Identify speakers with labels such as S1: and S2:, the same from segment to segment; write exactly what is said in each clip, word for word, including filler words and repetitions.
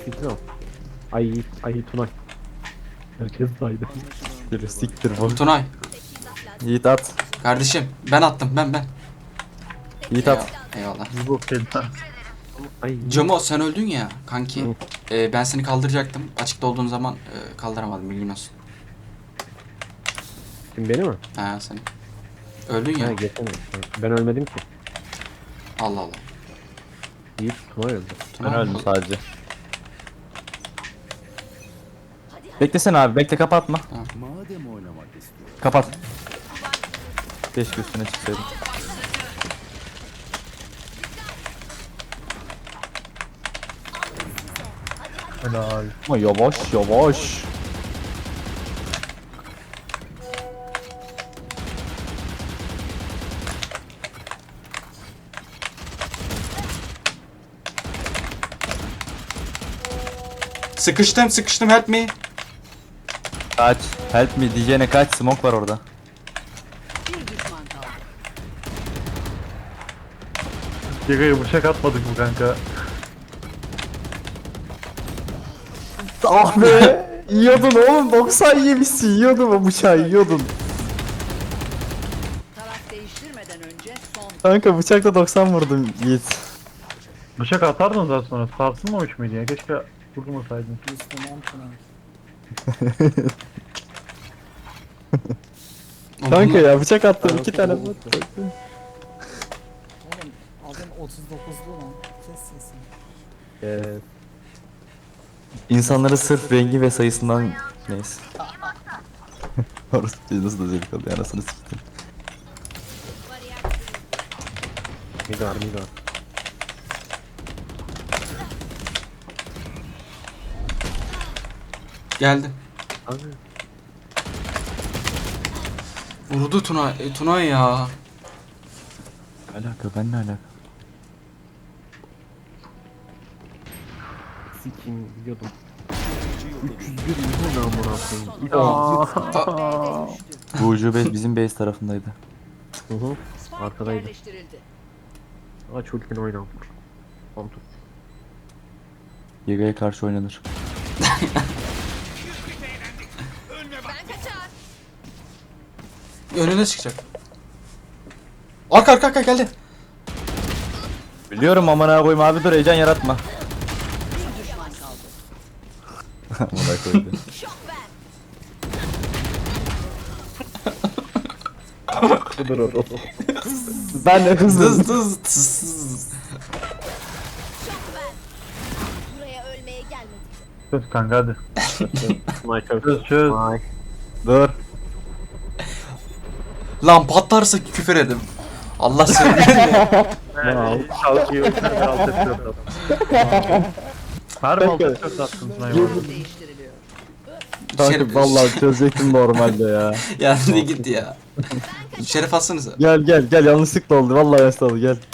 S1: Siktir al. Ay ay Tunay. Herkes saydı.
S2: Bir siktir bu.
S3: Tunay.
S2: Yiğit at.
S3: Kardeşim ben attım ben ben.
S2: Yiğit at.
S3: Eyvallah.
S4: Bu fena.
S1: Ay.
S3: Cemo sen öldün ya kanki. Ee, ben seni kaldıracaktım. Açıkta olduğun zaman e, kaldıramadım bilgin olsun.
S1: Kim beni mi?
S3: Ha sen. Öldün ya.
S1: Ha geçen. Ben ölmedim ki.
S3: Allah Allah.
S1: Yiğit Tunay öldü.
S2: Ben
S3: Tunay.
S2: öldüm sadece. Beklesene abi, bekle, kapatma.
S5: Madem oynamak istiyor.
S2: Kapat. Keşke üstüne çıksaydım.
S4: Helal.
S2: Ama yavaş yavaş.
S3: Sıkıştım sıkıştım help me.
S2: Kaç. Help me diyeceğine kaç. Smoke var orada.
S6: Bir düşman kaldı.
S4: Yega'ya bıçak atmadık mı kanka?
S2: Ah be. Yiyordun oğlum. doksan yemişsin. Yiyordun o bıçağı, yiyordun.
S6: Taraf değiştirmeden önce son.
S2: Kanka bıçakla doksan vurdum Yiğit.
S4: Bıçak atardın daha sonra. Sarsılmamış mıydı ya? Keşke vurmasaydın.
S2: Kanka ya bıçak attım iki tane.
S7: Oğlum adam otuz dokuzlu lan. Kes sesini.
S1: Ee,
S2: İnsanları sırf rengi ve sayısından neyse. Orası nasıl da zevk alıyor anasını siktim.
S1: Migar migar.
S3: Geldi.
S1: Abi.
S3: Vurdu Tunay. E, Tunay ya.
S2: Alaka, ben ne alaka?
S1: Sikim biliyordum. üç yüz bir milyon amına koyayım.
S6: Son B'de düştü.
S2: Bu ucube bizim base tarafındaydı.
S1: Hı hı.
S6: Spike
S1: Arkadaydı.
S6: yerleştirildi.
S1: Aç ultini oyna. Kontur.
S2: Yega'ya karşı oynanır.
S3: Önüne çıkacak. Arka arka arka geldi.
S2: Biliyorum amına koyayım abi, dur heyecan yaratma.
S6: Bir düşman kaldı.
S2: Amına koydu.
S1: Budur o.
S2: Ben de hızlı.
S3: Dız dız tız tız.
S8: Buraya ölmeye gelmedik.
S4: Çöz kanka hadi.
S1: Tunay çöz.
S4: Çöz çöz.
S1: Tunay.
S2: Dur.
S3: Lan patlarsa küfür edin. Allah sevgilim ya.
S4: Yani şalkıyı ötürü alt F dört attım. Harbi alt F dört attın Tunay bu arada.
S6: Değiştiriliyor.
S2: Kanka
S3: Şerif-
S2: vallahi çözecektim normalde ya.
S3: Ya ne gitti ya. Şeref atsanıza.
S2: Gel gel gel, yanlışlıkla oldu vallahi yanlışlıkla oldu, gel.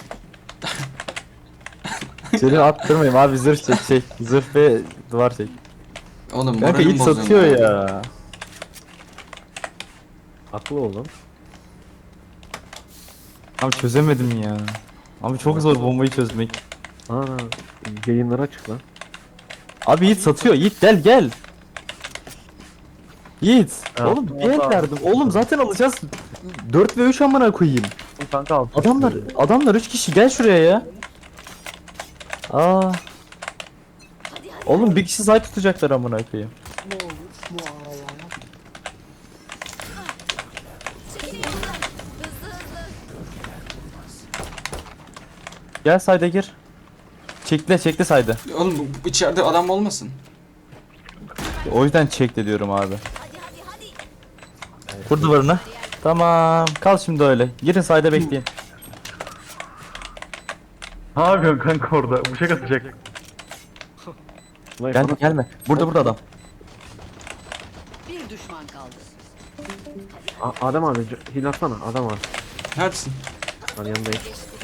S2: Seni attırmayayım abi, zırh çek şey. Zırh ve duvar çek.
S3: Oğlum
S2: Kanka
S3: moralim
S2: hiç
S3: bozuldu.
S2: satıyor ya.
S1: Haklı oğlum.
S2: Abi çözemedim ya. Abi çok zor bombayı çözmek.
S1: Aa, yayınlara çık lan.
S2: Abi Yiğit satıyor. Yiğit gel gel. Yiğit.
S4: Ya,
S2: Oğlum bir el
S4: vallahi.
S2: verdim. Oğlum zaten alacağız. dört ve üç amına koyayım.
S4: Kanka alt.
S2: Adamlar adamlar üç kişi, gel şuraya ya. Aa. Oğlum bir kişi sahip tutacaklar amına koyayım.
S7: Ne olur bu aralar.
S2: Gel sayda gir. Çekle çekle sayda.
S3: Oğlum bu- bu içeride adam olmasın.
S2: O yüzden çekle diyorum abi. Kur duvarına. Tamam. Kal şimdi öyle. Girin sayda bekleyin.
S4: Ne yapıyorsun kanka orada? Bıçak atacak.
S1: Tunay
S2: Gelme
S1: bana-
S2: gelme. Burada burada adam.
S6: Bir düşman kaldı.
S1: A- Adam abi c- hil atsana. Adam abi.
S3: Neredesin?
S1: Lan yanındayım.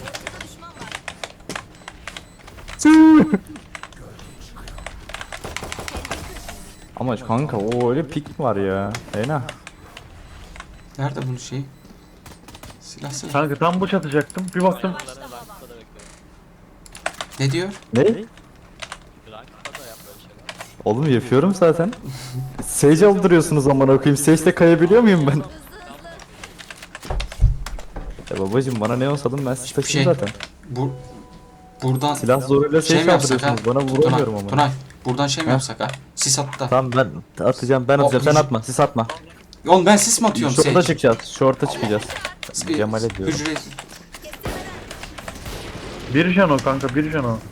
S2: Ama kanka o öyle pik mi var ya? Fena.
S3: Nerede bunun şeyi? Silah silah.
S4: Kanka tam bıçak atacaktım. Bir baktım.
S3: Ne diyor?
S2: Ne?
S9: Rankta da yap böyle.
S2: Oğlum yapıyorum zaten. Sage aldırıyorsunuz amına koyayım. Sage'de kayabiliyor muyum ben? Ya babacım bana ne olsadım ben sizi taşıyayım
S3: Şey.
S2: zaten.
S3: Bu buradan
S2: Silah zoruyla
S3: şey
S2: Sage
S3: mi yapsak ha?
S2: aldırıyorsunuz. Bana vuramıyorum
S3: Tunay,
S2: ama.
S3: Tunay, buradan şey mi
S2: Ha?
S3: yapsak ha? Sis attı da.
S2: Tamam ben atacağım ben atacağım sen
S3: hüc-
S2: atma siz atma.
S3: Oğlum ben sis mi atıyorum
S2: Şorta
S3: Sage?
S2: çıkacağız şorta çıkacağız.
S3: Bir-
S2: Cemal'e diyorum.
S3: Hücre...
S4: Bir can o kanka, bir can o.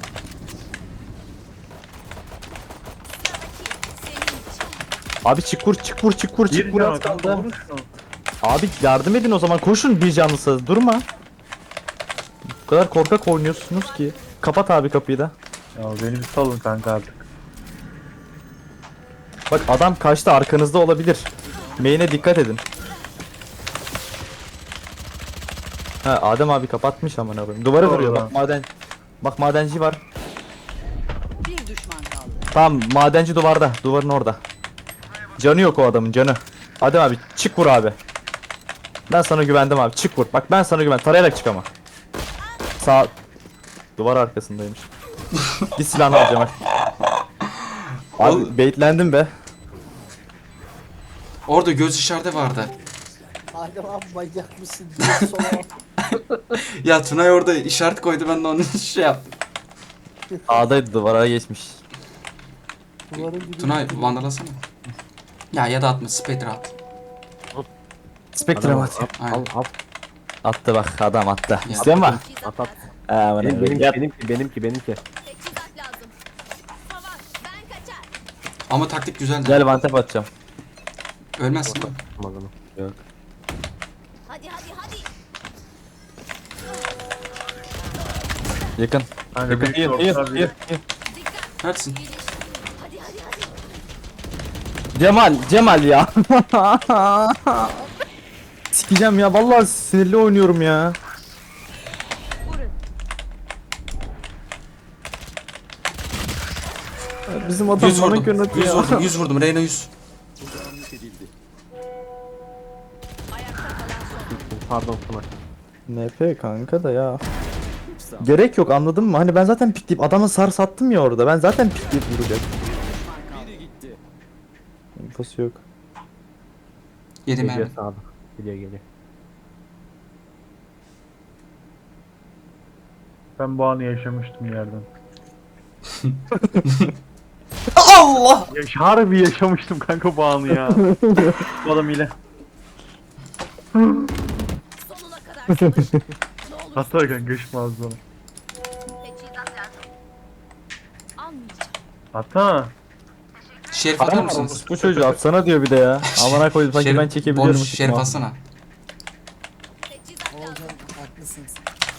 S2: Abi çık vur çık vur çık vur
S4: Bir
S2: çık vur
S4: can o
S2: at
S4: kanka,
S2: kaldı.
S4: vurun şunu.
S2: Abi yardım edin o zaman koşun bir canlısı durma. Bu kadar korkak oynuyorsunuz ki. Kapat abi kapıyı da.
S4: Ya beni bir salın kanka artık.
S2: Bak adam kaçtı arkanızda olabilir. Main'e dikkat edin. Ha Adem abi kapatmış aman abim. Duvara
S4: Doğru
S2: vuruyor
S4: lan.
S2: bak maden. Bak madenci var.
S6: Bir düşman kaldı.
S2: Tamam madenci duvarda. Duvarın orada. Canı yok o adamın canı. Adem abi çık vur abi. Ben sana güvendim abi çık vur. Bak ben sana güven. Tarayarak çık ama. Sağ. Duvar arkasındaymış. Git silahını al Cemal. Abi baitlendim be.
S3: Orada göz işareti vardı.
S7: Adem abi manyak mısın? Diye sola.
S3: Ya Tunay orada işaret koydu ben de onun şey yaptım.
S2: A'daydı duvara geçmiş.
S7: Duvarın dibi.
S3: Tunay vandalasana. Ya ya da atma Spectre at.
S2: Spectre at.
S3: Aynen.
S2: Attı bak adam attı.
S3: Ya.
S2: İstiyor musun?
S8: At at.
S2: Aa, bana
S1: Benim,
S2: Yap.
S1: benimki, benimki, benimki.
S8: Teçhizat lazım. Savaş. Ben kaçar.
S3: Ama taktik güzeldi.
S2: Gel vantep atacağım.
S3: Ölmezsin değil mi?
S1: Tamam, tamam. Yok.
S8: Hadi hadi hadi.
S2: Yakın.
S4: Kanka
S2: Yakın.
S4: bir
S2: İyi, iyi,
S4: shortlar,
S2: iyi,
S4: bir-
S2: iyi.
S3: Neredesin?
S8: Hadi hadi hadi.
S2: Cemal, Cemal ya. Sikeceğim ya vallahi sinirli oynuyorum ya. Ya Bizim adam
S3: yüz
S2: bana
S3: vurdum.
S2: yönetiyor.
S3: yüz vurdum. yüz vurdum. Reyna yüz.
S1: Pardon Tunay.
S2: N P kanka da ya. Gerek yok anladın mı? Hani ben zaten pikleyip adamı sar sattım ya orada. Ben zaten pikleyip vuracak. İnfosu yok.
S3: Yedi
S1: Geliyor
S3: mermi.
S1: sağda. Geliyor geliyor.
S4: Ben bu anı yaşamıştım yerden.
S3: Allah!
S4: Yaş harbi yaşamıştım kanka bu anı ya. Bu adam ile.
S8: Sonuna kadar çalış. Ne olur
S4: Hatta kanka ışmaz bana.
S8: teçhizat lazım. Almayacağım.
S4: Hatta.
S3: Şerif atar mısınız?
S2: Bu çocuğu atsana diyor bir de ya. Amına koydum sanki
S3: Şerif-
S2: ben çekebiliyorum.
S3: bonus şerif atsana.
S8: Teçhizat lazım.
S7: Olcan haklısınız.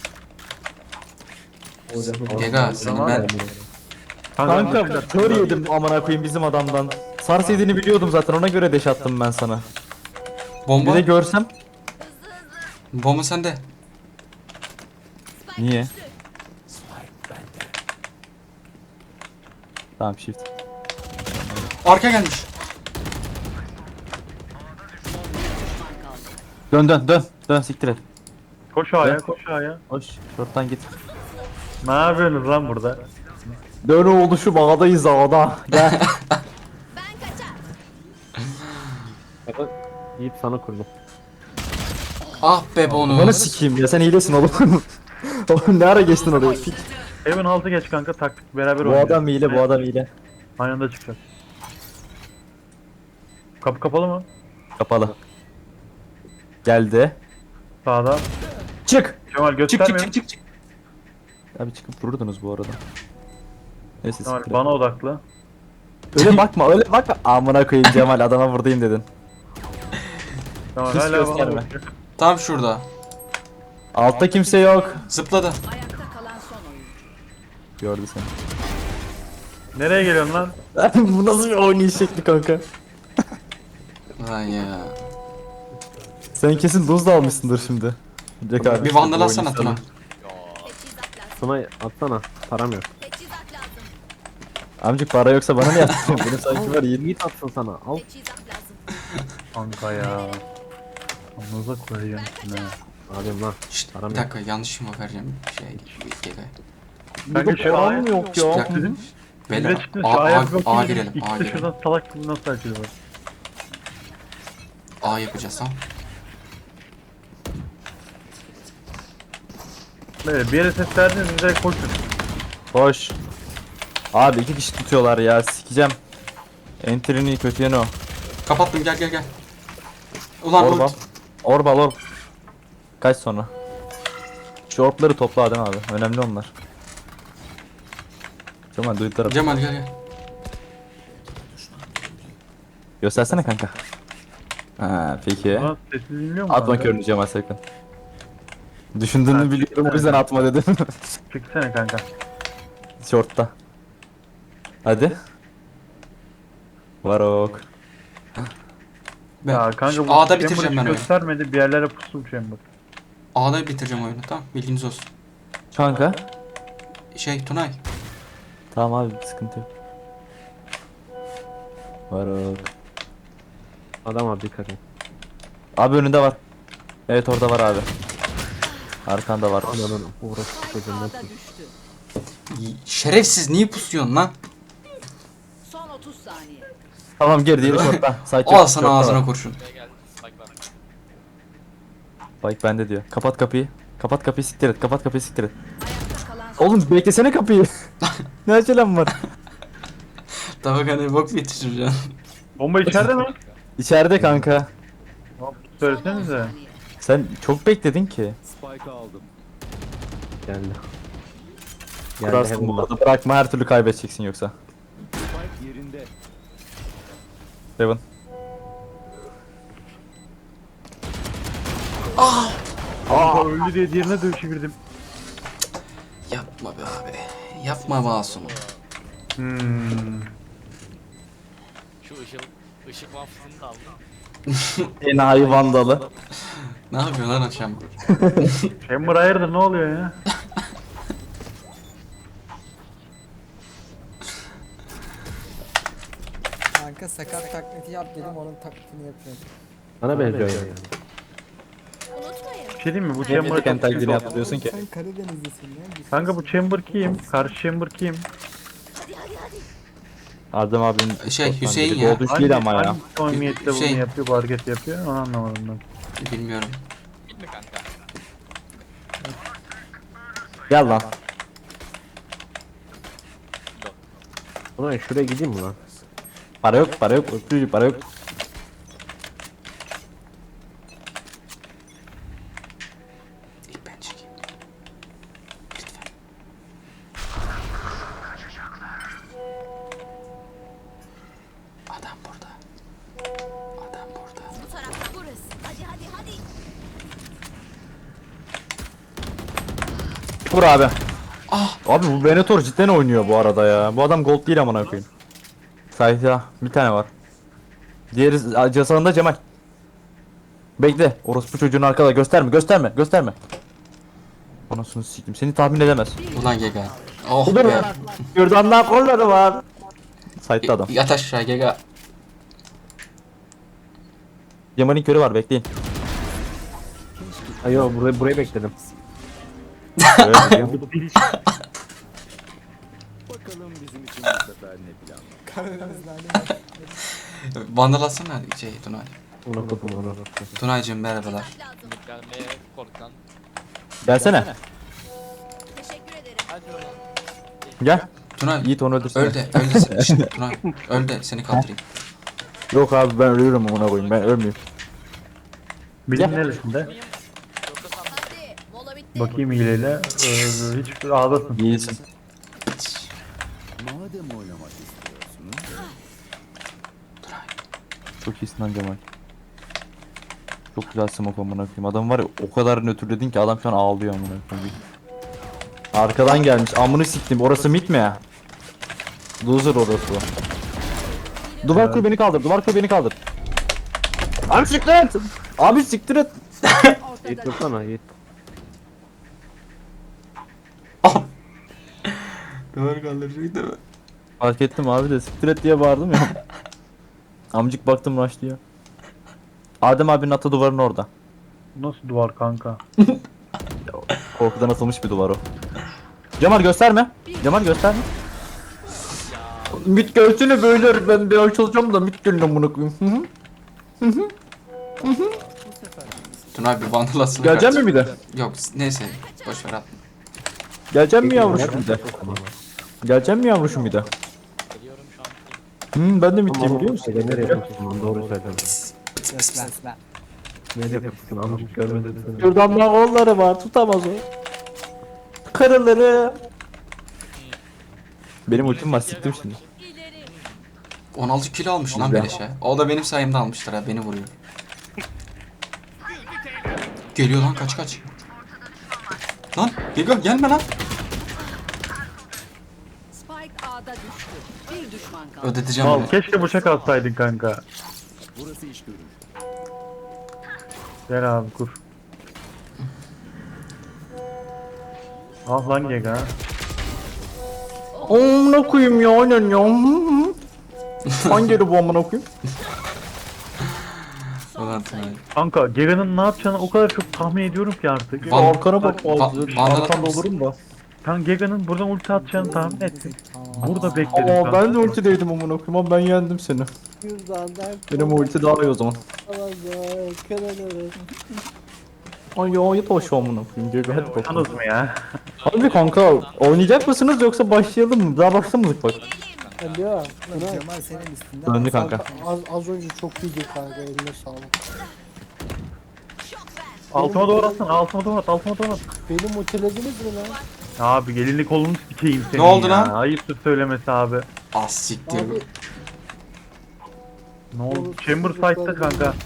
S3: Gega seni ben...
S2: Kanka kör yedim amına koyayım bizim adamdan. Sars yediğini biliyordum zaten ona göre deş attım ben sana. Bir
S3: Bomba.
S2: de görsem.
S3: Bomba sende.
S2: Niye? Tamam shift.
S3: Arka gelmiş.
S2: Dön dön dön. Dön siktir et.
S4: Koş A'ya, koş A'ya.
S2: Hoş. Şorttan git.
S4: Ne yapıyorsunuz lan burada?
S2: Dön oldu şu bağdayız ağda. Gel.
S8: Ben kaçar.
S1: Bakın Yiğit sana kurdum.
S3: Ah be
S2: Bana
S3: bonus.
S2: sikeyim ya sen hilesin oğlum. Oğlum ne ara geçtin oraya? Pik.
S4: Heaven altı geç kanka, taktik beraber
S2: Bu
S4: oynayacağız.
S2: adam hile bu adam hile.
S4: Aynı anda çıkacağız. Kapı kapalı mı?
S2: Kapalı. Geldi.
S4: Sağda.
S2: Çık.
S4: Kemal
S2: Çık çık
S4: göstermiyor.
S2: çık çık çık. Abi çıkıp vururdunuz bu arada. Neyse
S4: Kemal
S2: siktir et.
S4: bana odaklı.
S2: Öyle bakma öyle bakma. Amına koyayım Cemal adama vurdayım dedin.
S4: Kemal
S2: Hiç
S4: hala bana
S2: gösterme.
S4: bakıyor.
S3: Tam şurada.
S2: Altta kimse yok.
S3: Zıpladı.
S6: Ayakta kalan son oyuncu.
S2: Gördü seni.
S4: Nereye geliyorsun lan?
S2: Bu nasıl bir oynayış şekli kanka?
S3: Lan ya.
S2: Sen kesin doz da almışsındır şimdi. Jack abi.
S3: Bir vandal atsana Tuna.
S8: Teçhizat lazım.
S1: Tunay atsana. Param yok.
S8: Teçhizat lazım.
S2: Amcık para yoksa bana ne yaptın? Benim sanki var iyi.
S1: Yiğit atsın sana. Al.
S8: Teçhizat lazım.
S4: Kanka ya. Anınıza koyacağım şimdi. ha.
S1: Adem lan.
S3: Şşt,
S1: Param
S3: bir
S1: yok.
S3: dakika yanlış mı vereceğim şey Gega.
S4: Kanka
S2: Bir
S4: şu
S2: de param
S4: A'ya.
S2: yok
S3: Bir
S2: ya.
S3: dakika.
S4: Bir
S3: Beyler
S4: de çıktın
S3: A,
S4: şu
S3: A,
S4: ayak
S3: A,
S4: bakayım.
S3: girelim. A
S4: İkisi
S3: girelim.
S4: şuradan salak gibi nasıl açılıyor?
S3: A yapacağız tamam.
S4: Böyle bir yere ses verdiniz direkt koşun.
S2: Hoş. Abi iki kişi tutuyorlar ya sikeceğim. Entry'nin kötü yanı o.
S3: Kapattım gel gel gel. Ulan
S2: Orba.
S3: ult.
S2: Orbal orb. Kaç sonra? Şu orbları topla Adem abi. Önemli onlar. Cemal duyduklar.
S3: Cemal gel gel.
S2: Göstersene kanka. Ha peki.
S4: Ulan sesi dinliyor musun?
S2: Atma körünü Cemal sakın. Düşündüğünü
S4: Ha,
S2: biliyorum o yüzden atma dedim.
S4: Çıksana kanka.
S2: Short'ta. Hadi. Varok.
S3: Ben
S4: Ya kanka bu
S3: A'da
S4: Chamber
S3: bitireceğim
S4: hiç
S3: ben oyunu.
S4: göstermedi bir yerlere pusu Chamber.
S3: A'da bitireceğim oyunu tamam bilginiz olsun.
S2: Kanka.
S3: Şey Tunay.
S2: Tamam abi sıkıntı yok. Varok.
S1: Adam abi dikkat et.
S2: Abi önünde var. Evet orada var abi. Arkanda var.
S1: Ananın uğraş çocuğun
S6: A'da
S1: nasıl?
S6: düştü.
S3: Y- Şerefsiz niye pusuyorsun lan?
S6: Son otuz saniye.
S2: Tamam gir diyelim short'ta. Side
S3: Al
S2: yok,
S3: sana
S2: short'ta
S3: ağzına
S2: var.
S3: kurşun.
S2: Bak bende diyor. Kapat kapıyı. Kapat kapıyı siktir et. Kapat kapıyı siktir et.
S6: Ayakta kalan son
S2: Oğlum beklesene kapıyı. Ne acelem var?
S3: Tabii hani bok yetiştireceğim.
S4: Bomba içeride mi?
S2: İçeride kanka.
S4: Hop,
S6: son on
S4: söylesenize.
S6: saniye.
S2: Sen çok bekledin ki.
S5: Spike aldım.
S1: Geldi. Geldi
S2: Kurarsın bu
S1: Heaven'da.
S2: arada. Bırakma her türlü kaybedeceksin yoksa.
S5: Spike yerinde.
S2: Heaven.
S4: Aa öldü diye diğerine de çevirdim.
S3: Yapma be abi. Yapma masumum.
S4: Hmm.
S9: Şu ışık, ışık mahfuzunu da aldım.
S2: Enayi vandalı.
S3: Ne yapıyorsun lan akşam?
S4: Chamber hayırdır ne oluyor ya?
S7: Kanka sakat taklidi yap dedim onun taklidini yapıyorum.
S1: Bana benziyor yani.
S8: Unutmayın.
S4: Bir şey diyeyim mi bu
S2: Chamber
S4: Chamber...
S2: kendi taklidini yaptırıyorsun ki.
S7: Sen Karadenizlisin ya.
S4: Kanka bu Chamber kim? Karşı Chamber kim?
S8: Hadi hadi hadi.
S2: Adem abinin
S3: Şey, Hüseyin ya.
S2: Doğduğu değil ama ya.
S4: Hangi samimiyette bunu
S3: Hüseyin.
S4: yapıyor, bu hareket yapıyor onu anlamadım ben.
S3: Bilmiyorum.
S9: Gitme kanka.
S2: Gel lan.
S1: Ulan şuraya gideyim mi lan?
S2: Para yok, para yok, öpücük, para yok.
S3: İlk ben çekeyim. Lütfen. Adam burada. Adam burada.
S8: Bu tarafta burası. Hadi hadi hadi.
S2: Vur abi. Ah. Abi bu Venator cidden oynuyor bu arada ya. Bu adam gold değil amına koyayım. Sayfa bir tane var. Diğeri casağında Cemal. Bekle. Orospu çocuğun arkada gösterme, gösterme, gösterme. Anasını sikeyim. Seni tahmin edemez.
S3: Ulan Gega. Oh
S2: Dur
S3: be.
S2: lan. Kürdanlar kolları var. Sayıtta adam.
S3: Yat aşağı Gega.
S2: Cemal'in körü var bekleyin.
S1: Ay yo burayı, burayı bekledim.
S2: Evet, biliyorum.
S5: Bakalım bizim için bu sefer ne plan var.
S7: Karadenizli halim.
S3: Vandal atsana şey Tunay.
S1: Onu kopum onu.
S3: Tunaycığım merhabalar.
S8: Lazım.
S9: Gelmeye korkan.
S2: Gelsene.
S8: Teşekkür ederim.
S9: Hadi oğlum.
S2: Gel.
S3: Tunay
S2: Yiğit onu öldürsene.
S3: öl de öl de seni. Şşt, Tunay öl de seni kaldırayım.
S2: Yok abi ben ölüyorum amına koyayım. Ben ölmeyeyim.
S4: Bilim
S2: Gel.
S4: neresinde?
S9: Yoksa sen
S8: Hadi. Mola bitti.
S4: Bakayım hileyle. Ee, hiç ağdasın.
S2: İyisin.
S5: Madem oynamak istiyorsunuz.
S2: Çok iyisin lan Cemal. Çok güzel smoke amına koyayım. Adam var ya o kadar nötrledin ki adam şu an ağlıyor amına koyayım. Arkadan gelmiş. Amını siktim. Orası mid mi ya? Loser orası. Duvar kur beni kaldır. Duvar kur beni kaldır. Abi siktir et. Abi siktir et.
S1: Yiğit
S6: Ortada.
S1: dursana Yiğit.
S3: Duvar kaldıracak değil mi?
S2: Fark ettim abi de siktir et diye bağırdım ya. Amcık baktım rush diyor. Adem abinin atı duvarın orada.
S4: Nasıl duvar kanka?
S2: Korkudan atılmış bir duvar o. Cemal gösterme. Cemal gösterme.
S9: ya
S2: Mit gelsene böyle ben bir açılacağım da mit gelin amına koyayım. Hı hı.
S3: Tuna abi bir bandalasın.
S2: Gelecek mi bir de?
S3: Yok neyse boş ver atma.
S2: Gelecek mi yavruşum bir de? Gelecek mi yavruşum bir de?
S9: Geliyorum şu an.
S2: Hı ben de mitliyim biliyor musun?
S1: Nereye yapıyorsun lan doğru söyle.
S7: Yes, ben, ben.
S1: Nereye yapıyorsun amcık görmedim seni.
S2: Şuradan bak kolları var tutamaz o. Karıları. Benim ultim var siktim şimdi.
S8: İleri.
S3: on altı kilo almış lan
S2: Güzel.
S3: Beleş'e. O da benim sayemde almıştır ha beni vuruyor. Geliyor lan kaç kaç. Lan geliyor gelme lan.
S6: Spike A'da düştü. Bir düşman kaldı.
S3: Ödeteceğim
S4: Al
S3: onu.
S4: keşke bıçak atsaydın kanka.
S5: Burası iş görür.
S4: Gel abi kur. Ah lan Gega.
S2: Amına koyayım ya aynen ya. Hı hı. Hangi yeri bu amına koyayım?
S3: Ulan Tuna.
S4: Kanka Gega'nın ne yapacağını o kadar çok tahmin ediyorum ki artık.
S3: Van-
S2: Arkana bak
S3: Va-
S2: bazı.
S3: va- vandal
S2: Arkanda
S3: atar
S2: olurum da.
S4: Ben Gega'nın buradan ulti atacağını tahmin ettim. Burada bekledim.
S2: Aa
S4: kanka.
S2: ben de ultideydim amına koyayım ama ben yendim seni. Benim ulti daha iyi o zaman. Ay ya yat aşağı amına koyayım diyor. Hadi bakalım.
S4: Yalnız mı ya?
S2: Hadi kanka oynayacak mısınız yoksa başlayalım mı? Daha başlamadık bak.
S7: Alo. Ulan Cemal senin üstünden.
S2: Döndü kanka.
S7: Az, az önce çok iyiydi kanka eline sağlık.
S4: Altıma doğru atsana, altıma doğru at, altıma doğru at.
S7: Beni mutilediniz mi lan?
S4: Abi gelinlik kolunu sikeyim senin
S3: Ne oldu
S4: ya.
S3: lan?
S4: Ayıptır söylemesi abi.
S3: Az siktir.
S7: Abi.
S4: Ne oldu? Chamber site'da kanka.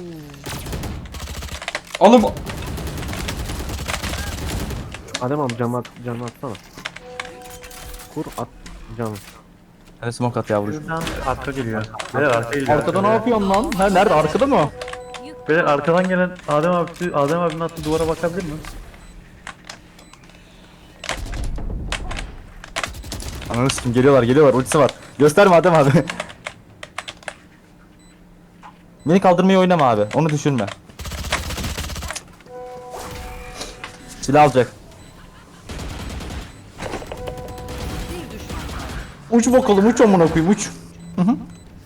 S3: Oğlum
S1: Adem abi canı at, canı atsana. Kur at canı.
S2: Hadi smoke at yavrucuğum.
S4: Şuradan arka geliyor. Beyler arka geliyor.
S2: Arkada ne yapıyorsun lan? Ha nerede arkada mı?
S4: Beyler arkadan gelen Adem abi, Adem abinin attığı duvara bakabilir mi?
S2: Ananı sikim geliyorlar geliyorlar ultisi var. Gösterme Adem abi. Beni kaldırmayı oynama abi. Onu düşünme. Silah alacak.
S6: Bir düşman kaldı.
S2: Uç bakalım uç amına koyayım uç. Hı hı.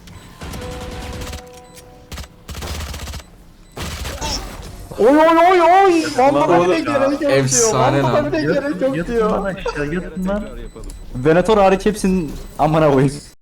S2: Oy oy oy oy. Vampara bile gerek yok diyor.
S3: efsane
S2: Vampara
S3: lan.
S2: bile gerek yok
S4: Yatın
S2: diyor.
S4: lan aşağı, yatın lan.
S5: Tekrar yapalım.
S2: Venator hariç hepsinin amına koyayım.